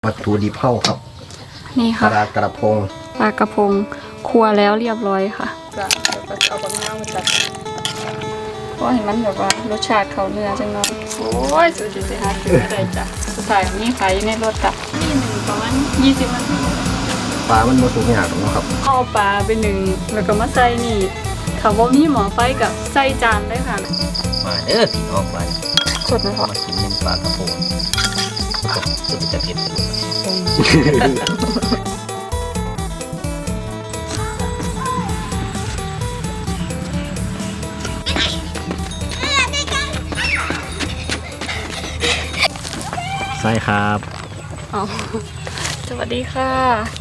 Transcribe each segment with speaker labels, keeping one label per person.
Speaker 1: วัตถุดิบเผาครับ
Speaker 2: นี่ค่ะ
Speaker 1: ปลากระพง
Speaker 2: ครัวแล้วเรียบร้อยค่ะจะเอาบะนาวมาจัดเพราะเห็นมันแบบว่ารสชาติเขาเนื้อจังเนาะโอ้ยสุดๆสิฮะคืออะไรจ้ะสุดท้ายนี่ขายในรถกับนี่หนึ่งประมาณ20 นาที
Speaker 1: ปลามันโมสุกอย่างหรอกครับ
Speaker 2: เอาปลาไปหนึ่งแล้วก็มาใส่นี่ถ้าว่ามีหม้อไฟกับใส่จานได้ค่ะ
Speaker 1: มาเด้อพี่น้องมา
Speaker 2: สดไหมคะ
Speaker 1: มากินหนึ่งปลากระพงสุดจะเผ็ดใช่ครับ
Speaker 2: สวัสดีค่ะ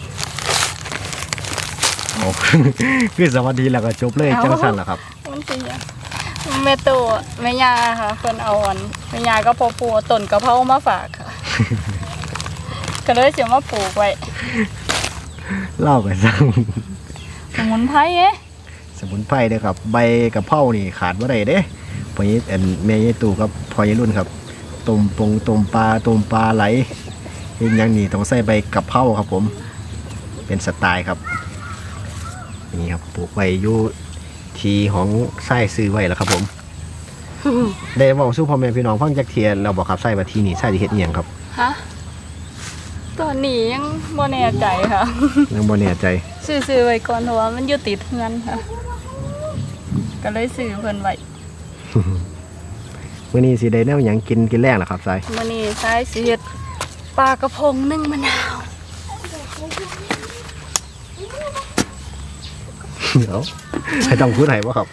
Speaker 1: คือสวัสดีแล้วก็จบเลยจังสันเหรอครับ
Speaker 2: มันเป็นยังแม่ตัวแม่ยาค่ะคนเอาอันแม่ยาก็พอปูต้นกระเพรามาฝากค่ะก็เลยเสียมาปลูกไว้
Speaker 1: เล่าไปสั่ง
Speaker 2: สมุนไพรเอ๊ะ
Speaker 1: สมุนไพรเด้อครับใบกระเพรานี่ขาดว่าไรเด้พอนี้แม่ยี่ตู่กับพอยรุ่นครับต้มปลาไหลอย่างนี้ต้องใส่ใบกระเพราครับผมเป็นสไตล์ครับนี่ครับปลูกไว้อยู่ทีของไส้ซื้อไว้แล้วครับผมได้บอกสู้พ่อแม่พี่น้องฟังจากเทียนเราบอกครับไส้มาทีนี่ไส้ที่เฮ็ดเอียงครับ
Speaker 2: ฮะตอนนี้ยังบ่แน่ใจค่ะ
Speaker 1: ยังบ่แน่ใจ
Speaker 2: ซื้อไว้ก่อนเพราะว่ามันอยู่ติดเฮือนค่ะก็เลยซื้อเพิ่นไว้
Speaker 1: มื้อนี้สิได้แนวหยังกินแรงล่ะครับไส้
Speaker 2: มื้อนี้ไส้สิเฮ็ดปลากระพงนึ่งมะนาว
Speaker 1: เดี๋ยวให้ต้องพูดไหนวะครับ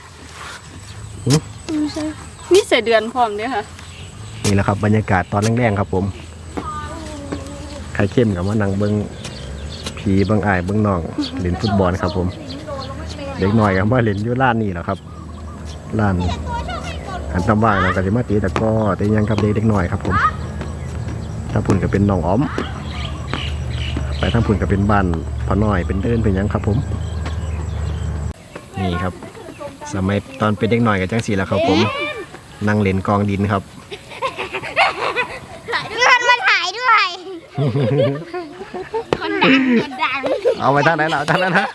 Speaker 2: นี่ใส่เดือนพร้อมด้วยค่ะ
Speaker 1: นี่แหละครับบรรยากาศตอนแรงๆครับผมใครเข้มกับว่านังเบิ้งผีเบิ้งอายเบิ้งน้องเล่นฟุตบอลครับผมเด็กหน่อยกับว่าเล่นอยู่ร้านนี่แหละครับร้านอันตำว่างเราก็จะมาตีแต่ก็แต่ยังครับเด็กหน่อยครับผมถ้าพุ่นก็เป็นน้องอ้อมไปถ้าพุ่นก็เป็นบ้านพ่อน้อยเป็นเดินเป็นยังครับผมนี่ครับสมัยตอนเป็นเด็กหน่อยกับจังสีแล้วครับผมนั่งเล่นกองดินครับ
Speaker 3: เพื่อนมาถ่ายด้วยคนดัง
Speaker 1: เอาไปทางไหนล่ะทางนั้นนะ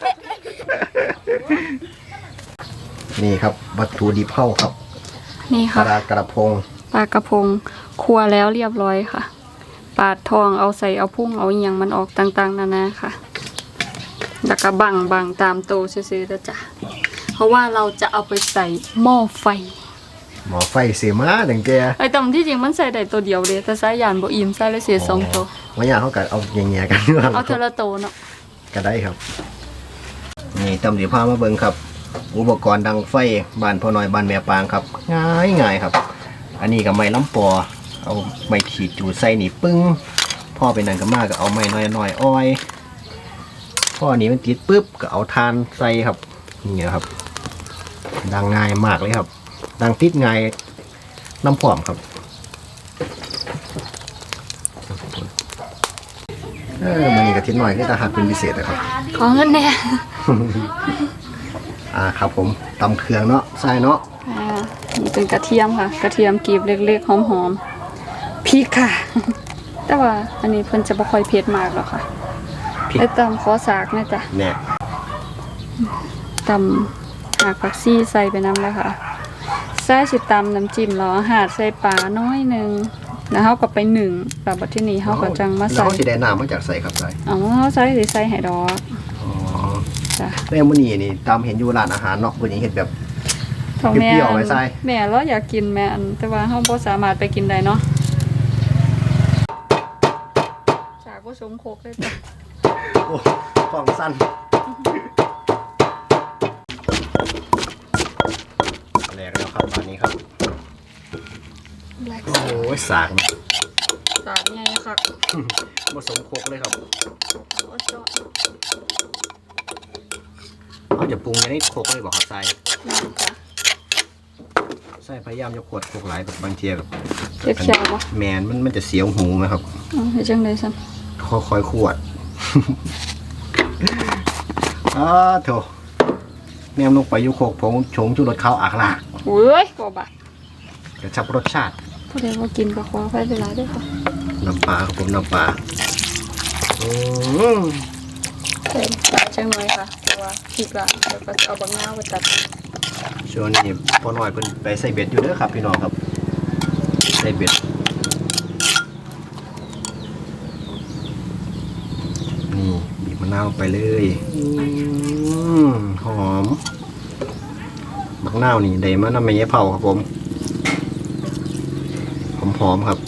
Speaker 1: นี่ครับวัตถุดิบเผาครับ
Speaker 2: นี่ค่ะ
Speaker 1: ปลากระพง
Speaker 2: ครัวแล้วเรียบร้อยค่ะปาดทองเอาใส่เอาพุ่งเอาอย่างมันออกต่างๆนานาค่ะแล้วก็บังตามโตซื้อๆแล้วจ้ะเพราะว่าเราจะเอาไปใส่หม้อไฟ
Speaker 1: เสียมาดังแก
Speaker 2: ไอ้ตำที่จริงมันใส่ได้ตัวเดียวเลยแต่ใส่ยานบ่อิ่มใส่เลยเสีย2 ตัว
Speaker 1: วันนี้เขาก็เอาแง่ๆกัน
Speaker 2: เอาเทละโตเนาะ
Speaker 1: ก็ได้ครับนี่ตำสีผ้ามาเบิ่งครับอุปกรณ์ดังไฟบ้านพ่อน้อยบ้านแม่ปางครับง่ายครับอันนี้กับไม้ล้ำปอเอาไม้ขีดจูดใส่นี่ปึ้งพ่อเป็นนันก็มากก็เอาไม้น้อยอ้อยพ่อนี้มันติดปุ๊บก็เอาทานใส่ครับนี่ครับดังง่ายมากเลยครับดังติดง่ายน้ำผอมครับมันนี่กระทิ้นหน่อยก็จะหักเป็นพิเศษนะครับ
Speaker 2: ของเงินแน่
Speaker 1: ครับผมตำเครื่องเนาะใส่เนาะ
Speaker 2: นี่เป็นกระเทียมค่ะกระเทียมกรีบเล็กๆหอมๆพริกค่ะแต่ว่าอันนี้เพิ่นจะไม่ค่อยเผ็ดมากหรอกค่ะไอ้ตำขอสากนะจ๊ะ
Speaker 1: เนี่ย
Speaker 2: ตำหากผักซี่ใส่ไปน้ำแล้วค่ะใส่สิตำน้ำจิ้มแล้วหาดใส่ปลาน้อยนึงแล้วเขาก็ไป1แบบบัดที่นี้เขาก็จังมาใส่
Speaker 1: แล้วเขาสิได้น้ำมาจากใส่ครับใส่
Speaker 2: ใส่ให้ดอก
Speaker 1: จ้ะแล้วมื้อนี้นี่ตามเห็นอยู่ร้านอาหารเนาะมื้อนี้เห็นแบบเปรี้ยวๆไว้ใส่
Speaker 2: แม่เราอยากกินแม่อันแต่ว่าเราบ่สามารถไปกินได้เนาะจากบ่สมโคกเลยจ้ะ
Speaker 1: โอ้ฟองสั้นแหลกแล้วครับตอนนี้ครับโอ้ยสาก
Speaker 2: ใหญ่ค่ะ
Speaker 1: ผสมโคกเลยครับเขาจะปรุงให้โคกเลยบอกครับใส่พยายามจะขวดโคกหลายแบบบางทีแบบ
Speaker 2: เขียวๆปะ
Speaker 1: แมนมันจะเสียวหูไหมครับ
Speaker 2: ให้จังเลยสัน
Speaker 1: ค่อยๆขวดโถแนมลงไปยุโคกผงชงจุรสข้าวอักลาก
Speaker 2: เว้ยบ่บะ
Speaker 1: กระชับรสชาติ
Speaker 2: ผู้ใดว่ากินก็ขอไปเวลาด้วยค่ะ
Speaker 1: น้ำปลาครับผมน้ำปลา
Speaker 2: ใส่ปลาจังหน่อยค่ะเพราะว่าพริกละแล้วก็เอาบางนาวมาตัด
Speaker 1: ช่วงนี้พอหน่อยเพิ่นไปใส่เบ็ดอยู่เด้อครับพี่น้องครับใส่เบ็ดนี่บีบมะนาวไปเลยหอมมะนาวนี่ได้มานำแม่ยายเผาครับผมหอมๆครับ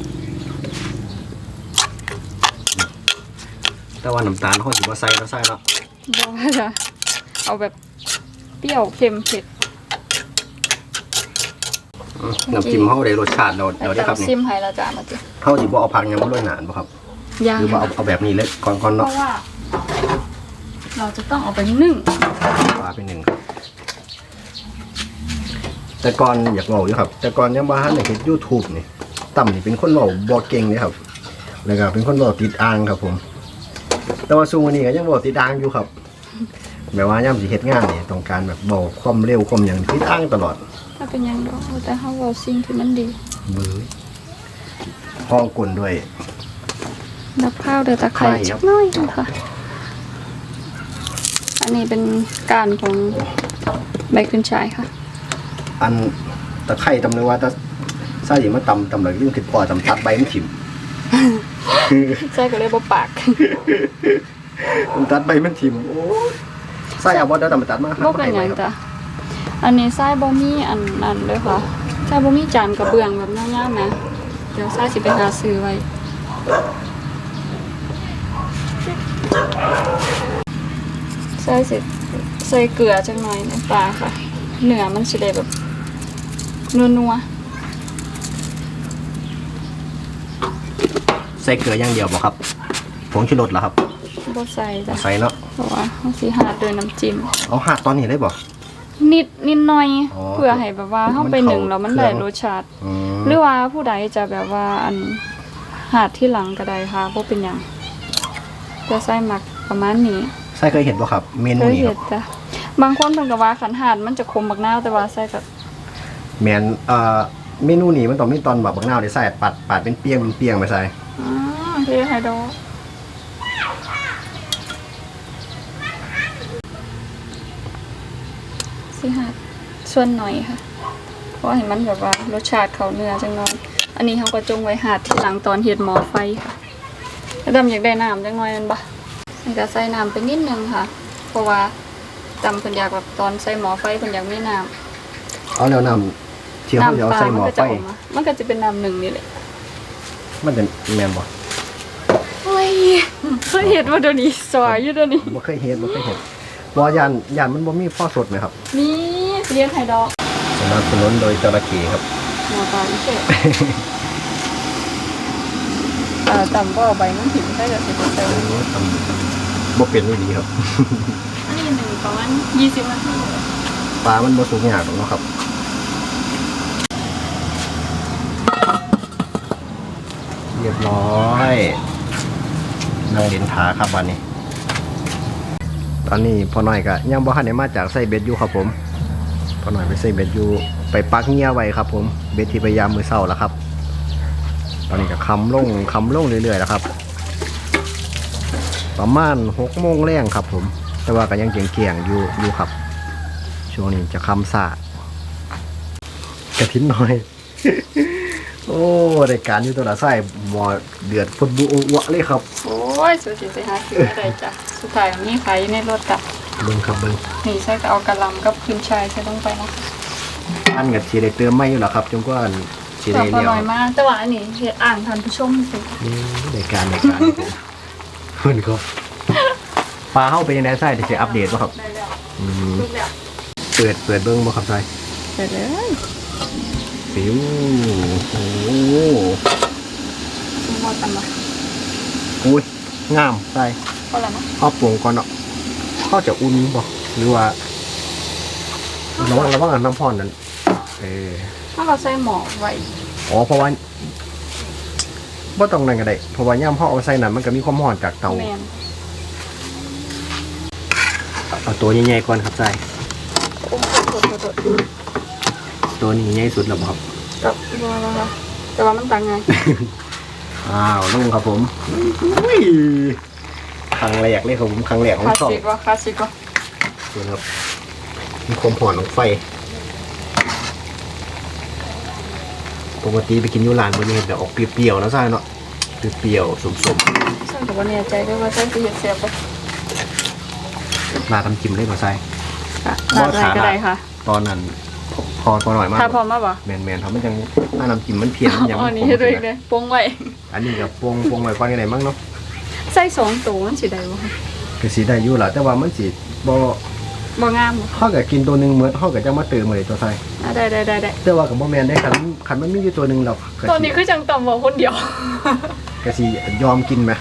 Speaker 1: แต่ว่าน้ำตาลเขาสิบ่ใส่แล้วใส่เนาะ
Speaker 2: บอกว่าจะเอาแบบเปรี้ยวเค็มเผ็ด
Speaker 1: น้ำจิ้มเขาได้รสชาติเราได้ครับ
Speaker 2: ซิ
Speaker 1: นี่
Speaker 2: มให้เราจะมาจิ
Speaker 1: เขาสิบ่เอาผักยังบ่ด้วยหนานบ่ครับ
Speaker 2: ย่าง
Speaker 1: หรือว่าเอาแบบนี้เลยก่อน
Speaker 2: เพ
Speaker 1: เนาะ
Speaker 2: ราะว่า เราจะต้องเอาไปนึ่ง
Speaker 1: ปลาไปหนึ่งครับแต่ก่อนอยากเว้าอยู่ครับ แต่ก่อนยังบ่ทันได้เฮ็ด YouTube นี่ต่ำนี่เป็นคนเว้าบ่เก่งเลยครับแล้วก็เป็นคนเว้าติดอ่างครับผม แต่ว่าซุมื้อนี้ก็ยังเว้าติดอ่างอยู่ครับแบบว่ายามสิเฮ็ดงานนี่ต้องการแบบเว้าความเร็วความหยังติดอ่างตลอด
Speaker 2: ถ้าเป็นหยังดอกแต่เขาเอาสิ่งที่มันดี
Speaker 1: มือห้องกลนด้วย
Speaker 2: ดับข้าวเดือดตะไคร้
Speaker 1: ไข่ครับ
Speaker 2: สักหน้อยนึงค่ะ อันนี้เป็นการของใบขึ้นฉายค่ะ
Speaker 1: อันตะไคร้ตำเลยว่าถ้าใส่มาตำเลยยิ่งคิดพอตำตัดใบมันถิ่ม
Speaker 2: ใส่ก็เลยบ่ปาก
Speaker 1: มันตัดใบมันถิ่มโอ้ยใส่เอาบ่ได้ตำมาตัดมา
Speaker 2: บ่เป็นหยังจ้ะอันนี้ใส่บ่มีอันนั้นเลยค่ะใส่บ่มีจานกระเบื้องแบบยาวๆนะเดี๋ยวใส่สิไปหาซื้อไว้ใส่สิใส่เกลือจังหน่อยน้ำปลาค่ะเนื้อมันสิได้แบบนัว
Speaker 1: ใส่เกลืออย่างเดียวบ่ครับผงชูรสเหรอครับ
Speaker 2: ๆบ่ใส่จ้ะ
Speaker 1: ใส่เนาะ
Speaker 2: เพราะว่าเขาสิหาด้วยน้ำจิ้ม
Speaker 1: เอาหาดตอนนี้ได้บ่
Speaker 2: นิดหน่อย
Speaker 1: อ๋อ
Speaker 2: เพื่อให้แบบว่าเฮาไปหนึ่งแล้วมันได้รสชาติ
Speaker 1: อืม
Speaker 2: หรือว่าผู้ใดจะแบบว่าอันหาดที่หลังก็ได้ค่ะบ่เป็นหยังจะใส่หมักประมาณนี้
Speaker 1: ใส่เคยเห็นบ่ครับ เมนู
Speaker 2: เคย
Speaker 1: นี้ค
Speaker 2: เห็
Speaker 1: รับ
Speaker 2: นจ้ะบางคนเพิ่นก็ว่าขันหาดมันจะคมบักนาวแต่ว่าใส่กับ
Speaker 1: แม่นเมนูนี้มันต้องมีตอนแบบบักนาวได้ใส่ปาดเป็นเปียงไปใส่
Speaker 2: เรียกไฮโดรสิหาดส่วนหน่อยค่ะ เพราะเห็นมันแบบว่ารสชาติเขาเนื้อจังน้อยอันนี้เขาก็จงไว้หาดที่หลังตอนเฮ็ดหม้อไฟค่ะแล้วดำอยากได้น้ำจังน้อยนั่นปะมันก็ใส่น้ำไปนิดนึงค่ะ เพราะว่าดำเพิ่นอยากแบบตอนใส่หม้อไฟเพิ่นอยากมีน้ำ
Speaker 1: เอาแล้วน้ำเที่ยวเขาจะเอาใส่หม้อ
Speaker 2: ก็
Speaker 1: ไฟ
Speaker 2: จะออกมามันก็จะเป็นน้ำหนึ่งนี่แหละ
Speaker 1: มันเป็นแม่นบ่
Speaker 2: โอ้ยเคยเห็นว่าเดี๋ยวนี้สวยอยู่เดี๋ยวนี้
Speaker 1: บ่เคยเห็นบ่ยานมันบ่มีพ่อสดไหมครับ
Speaker 2: นี่เลี้ยงไข่ดอก
Speaker 1: สนับสนุนโดยจระเข้ครับ
Speaker 2: หมอตาพิเศษต่ำก็เอาใบมันถิ่นได้จะเสร็จแต่วันนี้
Speaker 1: บ่เป็นนี่ดีครับ
Speaker 2: อันนี้หนึ่งประมาณ20 นาที
Speaker 1: ปลามันบ่สุกยากหรอกเนาะครับ เรียบร้อยนั่งเล่นขาครับวันนี้ ตอนนี้พ่อหน่อยก็ยังบ่ทันได้มาจากใส่เบ็ดอยู่ครับผมพ่อหน่อยไปใส่เบ็ดอยู่ไปปักเงียไว้ครับผมเบ็ดที่พยายามมือเศร้าแล้วครับ ตอนนี้ก็คำลงเรื่อยๆแล้วครับ ประมาณ6 โมงแรงครับผม แต่ว่าก็ยังเกี่ยงๆอยู่ครับ ช่วงนี้จะคำสาดกระทิ้นหน่อย โอ้รายการอยู่ตัวละไส้หมอเดือดพุดบุวะเลยครับ
Speaker 2: โอ้ยสุดสิไปหาซื้ออะไรจ้ะสุดท้ายมีขายอยู่ในรถกับ
Speaker 1: เบิ่งครับเบิ่ง
Speaker 2: นี่ใช่ก็เอากระหลำกับขึ้นชายใช่ต้องไปเนาะ
Speaker 1: อันกับสีได้เติมไม่อยู่หรอครับจงกว่าสี
Speaker 2: แต่
Speaker 1: ได้
Speaker 2: พอ
Speaker 1: เลี้ยว
Speaker 2: น้อยมากแต่ว่าอันนี้เฮ็ดอ่านทันผู้ชมสิ
Speaker 1: นี่รายการครับผมเพื่อนครับปลาเข้าไปยังไงไส้ที่จะอัปเดตป่ะครับ
Speaker 2: ได้แล้ว
Speaker 1: อืม
Speaker 2: ลูกแล้ว
Speaker 1: เปิดเบิ่งป่ะครับไส้
Speaker 2: ไปเลย
Speaker 1: ฟิวโอ้โห
Speaker 2: หมดตันมา
Speaker 1: อุ้ยงามไส้
Speaker 2: พอแล้วนะ
Speaker 1: เอาปรุงก่อนเนาะเขาจะอุ่นป่ะหรือว่าระวังอันน้ำพอนนั้น
Speaker 2: ถ้าเราใส่หมอไว้
Speaker 1: อ๋อเพราะว่าบ่ต้องนั่นก็ได้เพราะว่าย่ำพ่อเอาใส่นั้นมันก็มีความร้อนจากเตา
Speaker 2: แมน
Speaker 1: เอาตัวใหญ่ๆก่อนครับใส่
Speaker 2: โอ้โห
Speaker 1: ตัวนี้ใหญ่สุดแล้วบ่ครับ
Speaker 2: กับบัวแล้วค่ะแต่ว่ามันต่างไง
Speaker 1: อ้าวลงครับผมอุ้ยครั้งแรกเลยครับผมครั้งแรกของ
Speaker 2: คลาส
Speaker 1: ช่อง
Speaker 2: สิกวะคลาสสิกวะ
Speaker 1: ดูนะครับมีความหอนของไฟปกติไปกินยูร้านมันจะเห็นแต่ออกเปรี้ยวๆนะใช่เนาะเปรี้ยวๆสม
Speaker 2: ฉันแต่ว่าเนี่ยใจด้วยว่าฉันจะเห็นเสียบปะ
Speaker 1: ๆราดน้ำจิ้มเลยมาใส่
Speaker 2: ค่ะลาดอะไรก็ได้ค่ะ
Speaker 1: ตอนนั้นพอหน่อยมาก
Speaker 2: ถ้าพร้อมมาปะ
Speaker 1: แมนๆเขามันยังถ้าน้ำจิ้มมันเพี้ยนมันยัง
Speaker 2: อันนี้ให้ด้วยเลยปรุงไว้
Speaker 1: อันนี้กับปวงไว้ก่อนกันไหนมั้งเนาะ
Speaker 2: ใส่สองตัวมันสิได้บ่
Speaker 1: คือสีได้อยู่แหละแต่ว่ามันสีบ่
Speaker 2: บ่งามบ่
Speaker 1: เฮาก็กินตัวหนึงเหมือนเฮาก็จะมาเติมเลยตัวใส่
Speaker 2: ได้
Speaker 1: แต่ว่ากับบ่แม่นได้คันมันมีอยู่ตัวหนึงเราก็
Speaker 2: ตอนนี้คือจังต่ำบ่คนเดียว
Speaker 1: ก็สิยอมกินไหม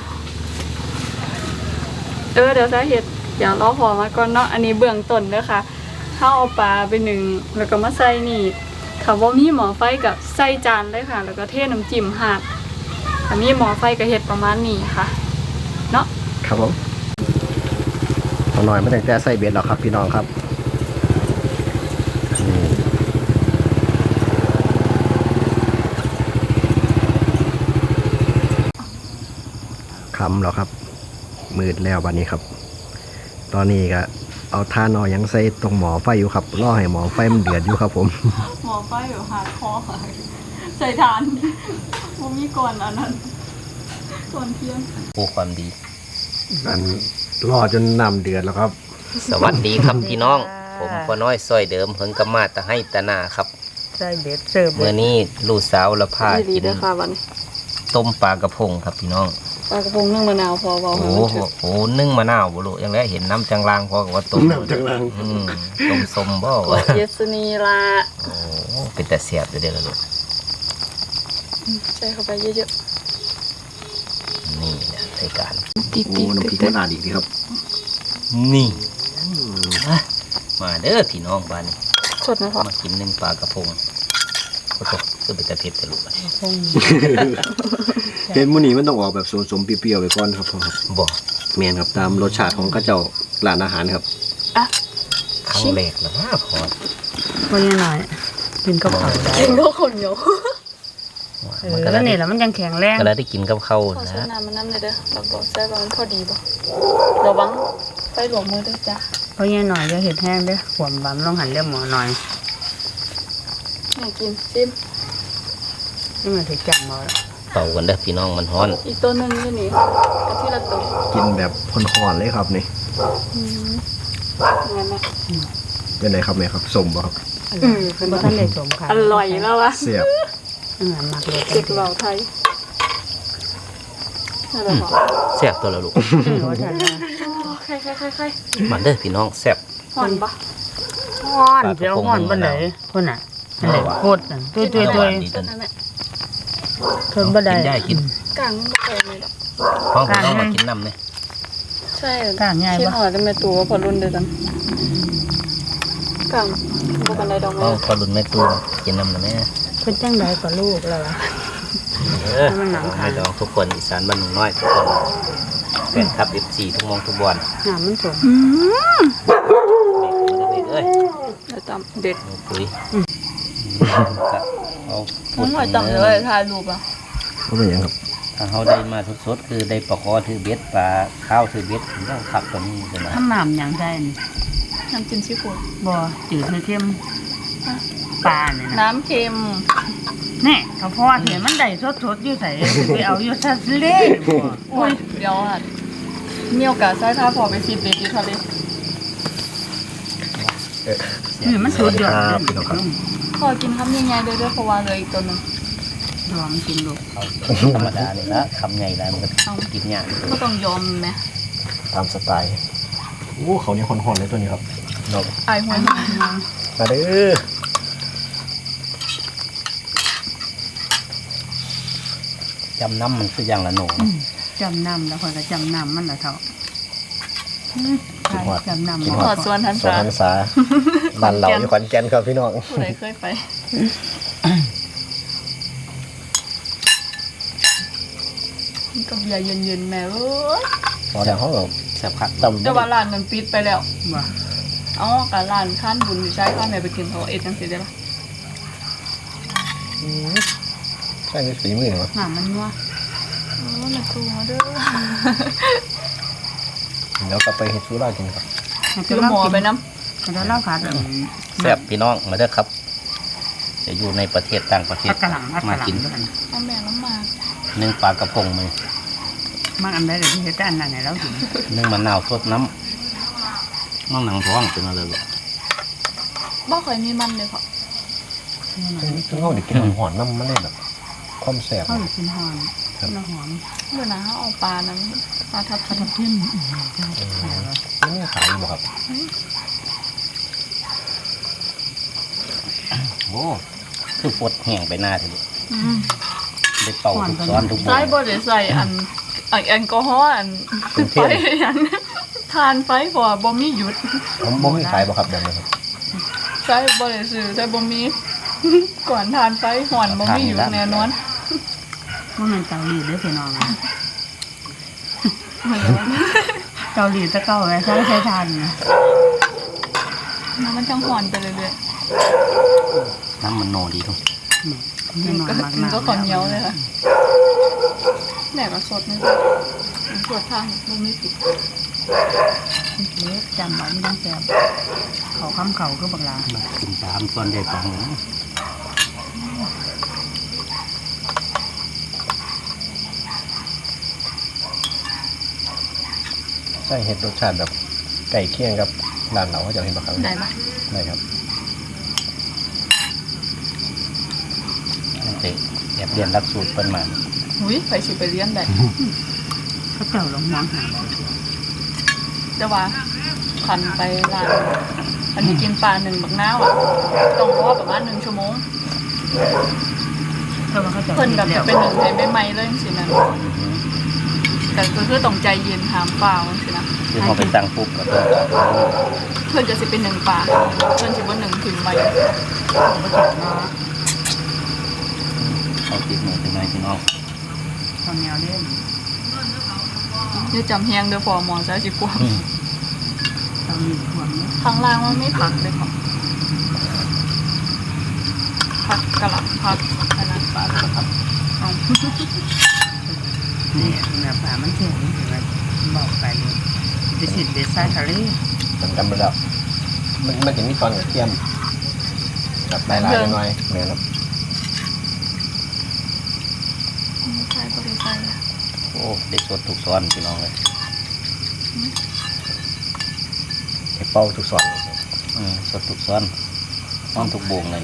Speaker 2: เดี๋ยวสาเหตุเดี๋ยวรอพอมาก่อนเนาะอันนี้เบื้องต้นเด้อค่ะเฮาเอาปลาไปนึ่งแล้วก็มาใส่นี่ถ้าบ่มีหม้อไฟก็ใส่จานเลยค่ะ แล้วก็เทน้ำจิ้มราดถ้ามีหม้อไฟก็เฮ็ดประมาณนี้ค่ะเนาะ
Speaker 1: ครับผมเอาหน่อยมาตั้งแต่ใส่เบ็ดแล้วครับพี่น้องครับคำแล้วครับมืดแล้ววันนี้ครับ ตอนนี้ก็เอาท่านอยังใส่ตรงหมอไฟอยู่ครับรอให้หมอไฟมันเดือดอยู่ครับผม
Speaker 2: หม้อไฟแบบหาดคอค่ะใส่ทานบ่มีก่อนอันนั้นก่อนเที่ยง
Speaker 4: ผู้ความดี
Speaker 1: อันรอจนน้ำเดือดแล้วครับ
Speaker 4: สวัสดีครับพี่น้อง ผมพ่อน้อยซอยเดิมเพิ่งกมาตะให้ตะนาครับ
Speaker 5: ใส่เบ็ดเสิร์ฟ
Speaker 4: เมื่อนี้ลูกสาวละพา
Speaker 2: ดี
Speaker 4: กิน
Speaker 2: เด้อค่ะวันนี้
Speaker 4: ต้มปลากระพงครับพี่น้อง
Speaker 2: ปลากระพงนึ่งมะนาวพอเบา
Speaker 4: โอ้
Speaker 2: ให้
Speaker 4: โห
Speaker 2: มันถึก
Speaker 4: โอ้โหนึ่งมะนาวบุรุยังได้เห็นน้ำจังลางพอกับว่าต้ม
Speaker 1: น้ำจังลาง
Speaker 4: ต้มสมบ่
Speaker 2: โอ้
Speaker 4: วะ
Speaker 2: เยสนีลา
Speaker 4: โอ้เป็นแต่เสียบอยู่เด้อละลูก
Speaker 2: ใส่เข้าไปเยอะ
Speaker 4: นี่นะรายการ
Speaker 2: ๆติด
Speaker 1: โอ้น้ำพริกมะนาวอีกทีครับ
Speaker 4: นี่อ่ะมาเด้อพี่น้องบ้านนี้
Speaker 2: สดนะพ่อ
Speaker 4: มากินนึ่งปลากระพงโอ้โหก็เป็นแต่เผ็ดแต่ลูกอะ
Speaker 1: เห็นมื้อนี้มันต้องออกแบบสมๆเปรี้ยวๆไปก่อนครับพ่อครับ
Speaker 4: บ่
Speaker 1: แม่นครับตามรสชาติของกระเจ้าร้านอาหารครับ
Speaker 2: อ่ะ
Speaker 4: ครั้งแรกแล้วว่าพอ
Speaker 5: วันนี้หน่อยกินกับข้าวได้
Speaker 2: กินก็คนเดียว
Speaker 4: มันก็
Speaker 5: แล้
Speaker 4: แล้ว ว
Speaker 5: นี่แหละมันยังแข็งแรง
Speaker 4: ก็แล้วได้กินกับข้าว
Speaker 2: ขอโซ
Speaker 4: นะ
Speaker 2: น้ำมันน้ำเลยเด้อเราบอกใส่บางพอดีบ่ระวังไฟหลวมมือด้วยจ้ะ
Speaker 5: เพราะงี้หน่อยจะเห็ดแห้งเด้อขวมบำลองหันเรียบหมอหน่อย
Speaker 2: อยากกินซิม
Speaker 5: นี่มันถึงจังหมอ
Speaker 4: เป่ากันเด้อพี่น้องมันฮ้อน
Speaker 2: อีกตัวหนึงอยู่นี่เอาที่ละตัว
Speaker 1: กินแบบพ่นๆเลยครับนี่
Speaker 2: งั้นนะ
Speaker 1: เป็นไงครับแม่ครับสมบ่ครับ
Speaker 5: เป็นท่านเลยสมค่ะ
Speaker 2: อร่อยแล้ววะ
Speaker 1: เสียบ
Speaker 5: หมักเลย
Speaker 2: เด็กเหล่าไทยนั่นแหละพ่อ
Speaker 4: แซ่บตัวละลูก
Speaker 5: รสชาติ
Speaker 2: ใคร
Speaker 4: มันเด้อพี่น้องแซ่บ
Speaker 2: หอนปะ
Speaker 5: ห้อนเจ้าห้อนบันไดคนน่ะอันไหนโคตรนั่นตัว
Speaker 4: ดีตัวนี้
Speaker 2: นั่นแหละ
Speaker 5: ทนบันได
Speaker 4: กินได้กิน
Speaker 2: กลางไม่เคยเลยหรอก
Speaker 4: ห้องพี่น้องมากินน้ำเนี่ย
Speaker 2: ใช่
Speaker 5: กลางง่าย
Speaker 2: คิด
Speaker 5: ปะ
Speaker 2: หอดได้ไหมตัวพอรุ่นเดียวกันกลางบ่กันได้ดอก
Speaker 4: ห้
Speaker 2: ไม้
Speaker 4: องพอรุ่นแม่ตูนกินน้ำนะแม่
Speaker 5: เป็นจังไดกับลูกแล้วล่ะ มันหนังขา
Speaker 4: ให้น้องทุกคนอีสานบ้านหนุ่มน้อยทุกคนแฟนคลับ F4 ทุกมองทุกบอล
Speaker 5: น้ำมันสม
Speaker 4: เด็กเอ้ย
Speaker 2: เดี๋ยวตำเด็ด
Speaker 4: หนูปุ๋ยก็เอา
Speaker 2: น้องหอยตำเลยถ่ายรูปอ่ะ
Speaker 1: ก็เป็นอย่างครับ
Speaker 4: ถ้าเขาได้มาสดๆคือได้ปลาคอถือเบ็ดปลาข้าวถือเบ็ดถึงต้องขับตัวนี้กันนะ
Speaker 5: ทำน้ำอย่างใจนี่
Speaker 2: น้ำจิ้มซีฟู้ด
Speaker 5: บ่จืดไม่เทียมปลาเนี่ยนะ
Speaker 2: น้ำเค็ม
Speaker 5: แน่เขาพอเห็นมันได้สดๆอยู่ใส่ไปเอาอยู่ซะเล่บ่
Speaker 2: โอ้ยเดี๋ยวอ่ะมีโอกาสใช้ท่าพอไปซีเบ็ดที่ทะเล
Speaker 5: นี่มันสุดยอด
Speaker 1: ครับพี่น้องครับ
Speaker 2: พอกินคำใหญ่ๆเด้อเพราะว่าเหลยอีกตัวหนึง
Speaker 5: ลองกินลูก
Speaker 4: เอาธรรมดาเนี่ยละคำใหญ่แล้วมันก็กินยาก
Speaker 2: ก็ต้องยอมไหม
Speaker 1: ตามสไตล์โอ้เขานี่ห่อนๆเลยตัวนี้ครับเรา
Speaker 2: ไอายหัวหาง
Speaker 1: มาเด้อ
Speaker 4: จำน้ำมันคืออย่างละหนู
Speaker 5: จำนำแล้วคนก็จำนำมันละเท่าจำนำ
Speaker 2: ขอดส่วนทัน
Speaker 1: สวน
Speaker 2: ษา
Speaker 1: หันษาบ้านเราอยู่ขอนแก่นครับพี่น้อง
Speaker 2: ผู้ใดเคยไปมันก็เบียร์เย็นๆแม่เอ้ย
Speaker 1: พอแล้วเขาก็
Speaker 4: แซ่บคัก
Speaker 1: ตำ
Speaker 2: แต่ว่าร้านนั้นปิดไปแล้ว
Speaker 5: บ่
Speaker 2: เอ๋อกับร้านข้านบุญอยู่ใช้ข้านแม่ไปกินเขาเอ็ดจังสิได้ปะ
Speaker 1: ใช่ไหมฝีมือเหรอ
Speaker 5: น้ำมันนัว
Speaker 2: โอ้น่ากลัวเด้อ
Speaker 1: เดี๋ยวกลับไปเฮ็ดซูรากินครับ
Speaker 2: คือหมอไปน้
Speaker 5: แล้วเล่าขาด
Speaker 4: แซ่บพี่น้องมาเด้อครับจะอยู่ในประเทศต่างประเทศ
Speaker 5: กระหลัง
Speaker 4: มากิน
Speaker 5: ด้วยกัน
Speaker 2: ำเอาแม่น้ำมา
Speaker 4: นึ่งปลากระพงมือ
Speaker 5: มันอันใดเลยที่เฮ็ดแต่อันนั้นให้เรากิน
Speaker 4: นึ่งมะนาวสดน้ำน้องหนังท้องเป็นอะไรหรอ
Speaker 2: บ่เคยมีมันเลยค่ะ
Speaker 1: ซึ่งเขาได้กินหอนน้ำมันเลยแบบความแสบ
Speaker 5: เขากินหอมน้ำหอม
Speaker 2: เมื่อนะเขาเอาปลานั้นปลาทับทิม
Speaker 5: เพิ่ม
Speaker 1: นี่ขายอยู่บ่ครับ
Speaker 4: โอ้คือฟดแห้งไปหน้าทีเดียว
Speaker 2: อืม
Speaker 4: ได้เป่าทุกซ้อนทุกบุ
Speaker 2: ใส่บ่ได้ใส่อันแอลกอฮอล์อันไฟอันทานไฟพอบ่มีหยุด
Speaker 1: ผมบ่มีขายบ่ครับแบบนี้ครับ
Speaker 2: ใส่บ่ได้ซื้อใส่บ่มี ก่อนทานไฟห่อนบ่มีหยุดแน่นอน
Speaker 5: ว่ามันเกาหลีเด้อพี่น้องอ่ะ
Speaker 2: เหมือนกัน
Speaker 5: เกาหลีจะเกาไว้ใช้ทานนะ
Speaker 2: มันจังห่อนไปเรื่อย
Speaker 4: น้ำมันโนดีทุก
Speaker 2: ๆมันก็ขอนเหนียวเลยค่ะแม่ก็สดนี่สดทางบ่มีผิด
Speaker 5: เล็กจำไว้ไม่ต้องแซ่บเขาคำเขาก็บักลา
Speaker 4: กินตามส่วนได้ปัง
Speaker 1: ใช่เฮ็ดรสชาติแบบไก่เคี่ยงกับร้านเราเขาจะเห็นบ่ครับ
Speaker 2: ได้ปะ
Speaker 1: ได้ครับ
Speaker 4: เตะแอบเรียนรักสูตรเปิ้นมา
Speaker 2: หุยไปสิไปเรียนได้
Speaker 5: เขาเจ้าลงมองหา
Speaker 2: แต่ว่าคันไปร้านอันนี้กินปลา1บักนาวอ่ะต้องรอประมาณ1ชั่วโมง
Speaker 5: เพราะว่าเขาเจ้า
Speaker 2: เพิ่นแบบจะเป็นหนึ่งให้ใหม่ๆเลยสินะแต่คือต้องใจเย็นหามเปล่าสินะ
Speaker 4: คือพอไปสั่งปุ๊บก็ต้อง
Speaker 2: เพิ่นจะสิเป็นหนึ่งปลาเพิ่นสิบ่หนึ่งถิ่มไว้
Speaker 5: เขาเจ้าเนาะ
Speaker 4: เอาติดมือเป็นไงพี่น้อง
Speaker 5: ตอนแนวเล่น
Speaker 2: อย่าจำแฮงเด้อพอหมอซะสิกลัว
Speaker 5: เกาหลีควรเนี่ย
Speaker 2: ข้างล่างมันไม่ผักเลยค่ะผักกะหล่ำผักอันนั้นปลาผักเอา
Speaker 5: นี่เนื้อปลามันแข็งเห็นไหมบอกไปเลยจะฉีดเบสไซทะเล
Speaker 1: ผมจำไม่ได้มันจะมีตอนกระเทียมกับใบลายหน่อยๆแม่นครับ
Speaker 2: ใช่บ่ได้ใส่
Speaker 4: โอ้ได้สดทุกซ้อนพี่น้องเลย
Speaker 1: ไอ้เป้าทุกสอน
Speaker 4: สดทุกซ้อนซ้อนทุกโบงเลย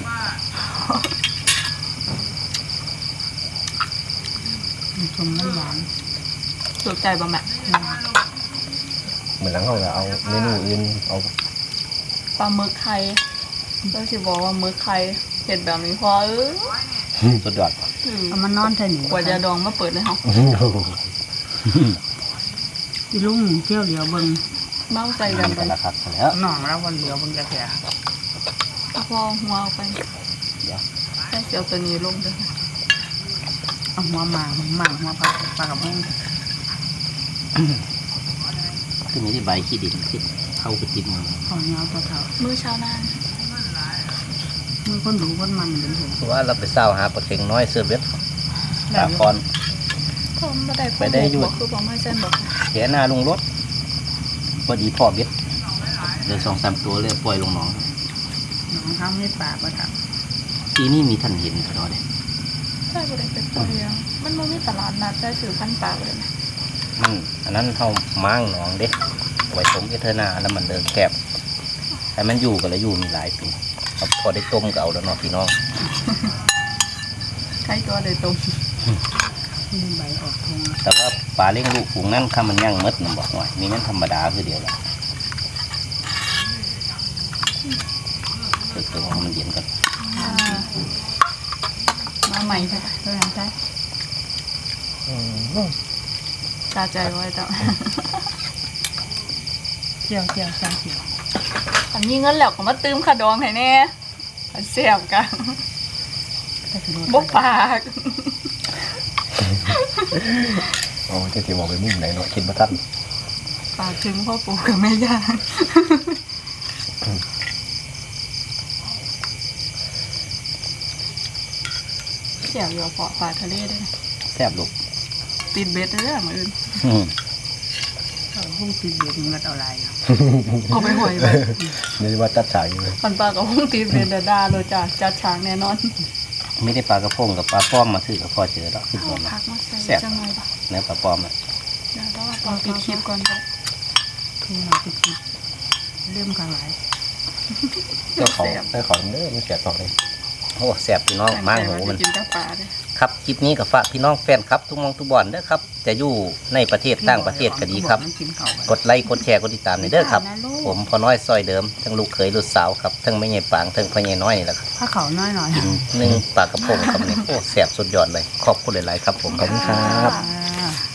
Speaker 5: มันชมมันหวาน
Speaker 2: ถูกใจบ่แม่
Speaker 1: เหมือนหลังเขาจะเอาเมนูอื่นเอา
Speaker 2: ปลาหมึกไข่ก็สิบอกว่าหมึกไข่เห็ดแบบนี้พอ
Speaker 4: สุดยอด
Speaker 5: เอามันนอนเท่านี้
Speaker 2: กว่าจะดองมาเปิดเลยเฮา
Speaker 5: ที่ลุงเที่ยวเหลียวเบิ่ง
Speaker 2: เมาใส่
Speaker 4: มั
Speaker 2: กัน
Speaker 4: น
Speaker 2: ไป
Speaker 4: กันละครับแล้ว
Speaker 5: น้องแล้ววันเหลียวเบิ่งจะแก่
Speaker 2: เอาพอหัวเอาไป
Speaker 4: เดี๋ยว
Speaker 2: ใส่เสียวตัวนี้ลงเด้อ
Speaker 5: เอาหัวหมางหัวปลากระพง
Speaker 4: คือมีที่ใบขี้ดินขึ้นเข้าไปติดมือ
Speaker 5: ข้าวเหนียวตัวเท่า
Speaker 2: มื้อเช้าหน้า
Speaker 5: มือคนรู้คนมันเป็นถึง
Speaker 4: เพราะว่าเราไปเศร้าหาปลาเค็งน้อยเสื้อเบ็ดตาคอน
Speaker 2: ผมบ่ได้
Speaker 4: ไปได้อยู่
Speaker 2: บ่คือบ่ไม่เส้นบ่
Speaker 4: แขนหน้าลงรถพอดีพ่อเบ็ดเดี๋ยว2-3ตัวเลยปล่อยลงหนอง
Speaker 5: น้องข้าวไม่ปลาปะครับ
Speaker 4: ปีนี้มีท่านเห็นเขาเนี่ย
Speaker 2: ใช่บ่ได้เป็นตัวเดียวมันบ่มีตลาดนัดได้ซื้อพันธุ์ปลาเลยนะ
Speaker 4: มันอันนั้นเขาม้างหนองเด็กไว้ต้มเอเทอร์นาแล้วมันเดินแคบแต่มันอยู่กันแล้วอยู่มีหลายปีครับพอได้ต้มก็เอาแล้วเนาะพี่น้อง
Speaker 2: ใครตัวได้ตรง
Speaker 5: ที่ใบออกทง
Speaker 4: แต่ว่าปลาเลี้ยงลูกฝูงนั้นข้ามันย่างมดมันบอกหน่อยมีมันธรรมดาคือเดียวแหละเดี๋ยวมันเย็นกัน
Speaker 2: มาใหม่ค่ะ
Speaker 5: ตัวนั้นใช่
Speaker 2: ตาใจไว้จ้ะ
Speaker 5: เจียวใส่เจียว
Speaker 2: อันนี้เงินแล้วก็มาตื้มขาดองให้แน่อันเสียบกัน
Speaker 5: แต่คือ
Speaker 2: บ่ปาก
Speaker 1: โอ้จะสิบอกไปมุมไหนเนาะคิดบ่ทัน
Speaker 2: ปากถึงพ่อปู่กับแม่ย่าเสียบอยู่เกาะปลาทะเลด้วยนะ
Speaker 4: แซ่บลูก
Speaker 2: ติดเบ็ดเด้อมื้ออื่น
Speaker 4: อืม
Speaker 5: เขาหูงติดเบียดมันเอาอะไร
Speaker 2: เอาไปหอยไป
Speaker 1: นี่ว่าจัดฉากอยู่เลย
Speaker 2: ปันปลากับพงตีเรนดาเลยจ้ะจัดฉากแน่นอน
Speaker 4: ไม่ได้ปลากระพงกับปลาป้อมมาถือกับพ่อเจอแล้วขึ้น
Speaker 2: เอา
Speaker 4: บน
Speaker 2: ผักมาใส่
Speaker 4: แซ่บ
Speaker 2: จังเลยปะ
Speaker 4: เนื้อปลาป้อมอ่ะ
Speaker 2: เดี๋ยวเราเอาปิดคลิปก่อนจ้ะ
Speaker 5: ทุ่งมาติดเริ่มกันหลาย
Speaker 1: เจ้าของเด้อมันเสียต่อเลย
Speaker 4: โอ้แซ่บพี่น้องมางหูมัน
Speaker 2: กินกับปลาเลย
Speaker 4: ครับคลิปนี้กับฝากพี่น้องแฟนครับทุกมองทุกบอลเด้อครับจะอยู่ในประเทศต่างประเทศก็ดีครับ
Speaker 5: มันกินเขา
Speaker 4: กดไลค์กดแชร์กดติดตามในเด้อครับ ผมพอน้อยซอยเดิมทั้งลูกเขยลูกสาวครับทั้งไม่ใหญ่ปางทั้งพ่อใหญ่น้อยนี่แหละครับ
Speaker 5: ถ้าเขาน้อยหน่อย
Speaker 4: กินนึ่งปลากระพงครับนี่โอ้แซ่บสุดยอดเลยขอบคุณหลายๆครับผม
Speaker 1: ขอบคุณครับ
Speaker 5: อ่า